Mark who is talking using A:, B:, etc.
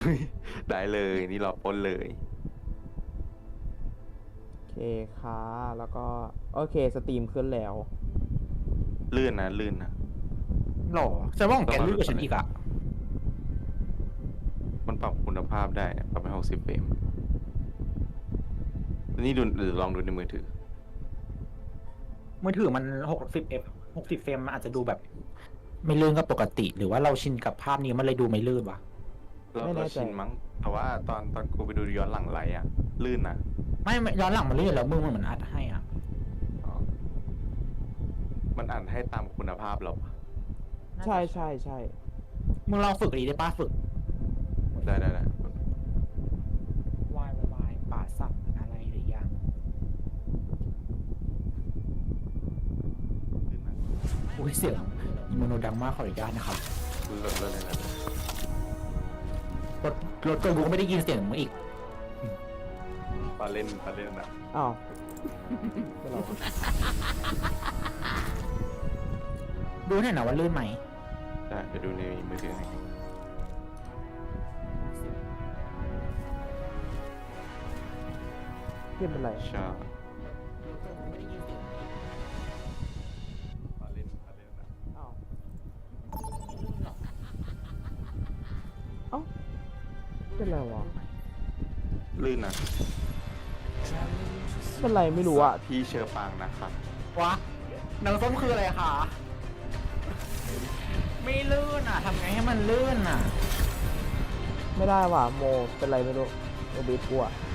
A: ได้เลยนี่เราปล้นเลย
B: โอเคค่ะแล้วก็โอเคสตรีมขึ้นแล้ว
A: ลื่นนะลื่นนะ
C: หรอฉันว่าของแกลื่นกว่าฉันอีกอะ
A: มันปรับคุณภาพได้ปรับเป็น60 เฟรมนี่ดูหรือลองดูในมือถือ
C: มือถือมัน60 เฟรมมันอาจจะดูแบบ ไม่ลื่นก็ปกติ หรือว่าเราชินกับภาพนี้มันเลยดูไม่ลื่นวะ
B: ไม่แน่
A: เรา
B: ใจ
A: ชินมั้งแต่ว่าตอนกูไปดูย้อนหลังไลฟ์อะลื่นนะ
C: ไม่ย้อนหลังมันลื่นแล้วมือมันเหมือนอัดให้อ่ะ
A: อ๋อมันอ่านให้ตามคุณภาพเราปะ
B: ใช่ใช่ใช่
C: มึงลองฝึกดีได้ป้าฝึก
A: ได้
C: วายวายป่าสักอะไรหรือยัง
A: ลื่นนะ
C: อุ้ยเสียงอีโมโนดังมากขออนุญาตนะครับ
A: ลื่นเลยนะ
C: รถเกินกูก็ไม่ได้ยินเสียงมึงอีก
A: ปลาเล่นนะ
B: อ้าวไม่หรอก
C: ดูหน่อยนะว่าลื่นไหม
A: ได้เดี๋ยวดูในมือถือให้
B: เพื่อนเป็นไร
A: ใช่ปลาเล่นนะ
B: อ้าวเอ้าเป็นไรวะ
A: ลื่นนะ
B: เป็นไรไม่รู้อะ
A: พี่เชอปางนะครับ
C: วะหนังส้มคืออะไรคะ ไม่ลื่นอ่ะทำไงให้มันลื่นอ่ะ
B: ไม่ได้ว่ะโมเป็นไรไม่รู้โอบิสกูอะ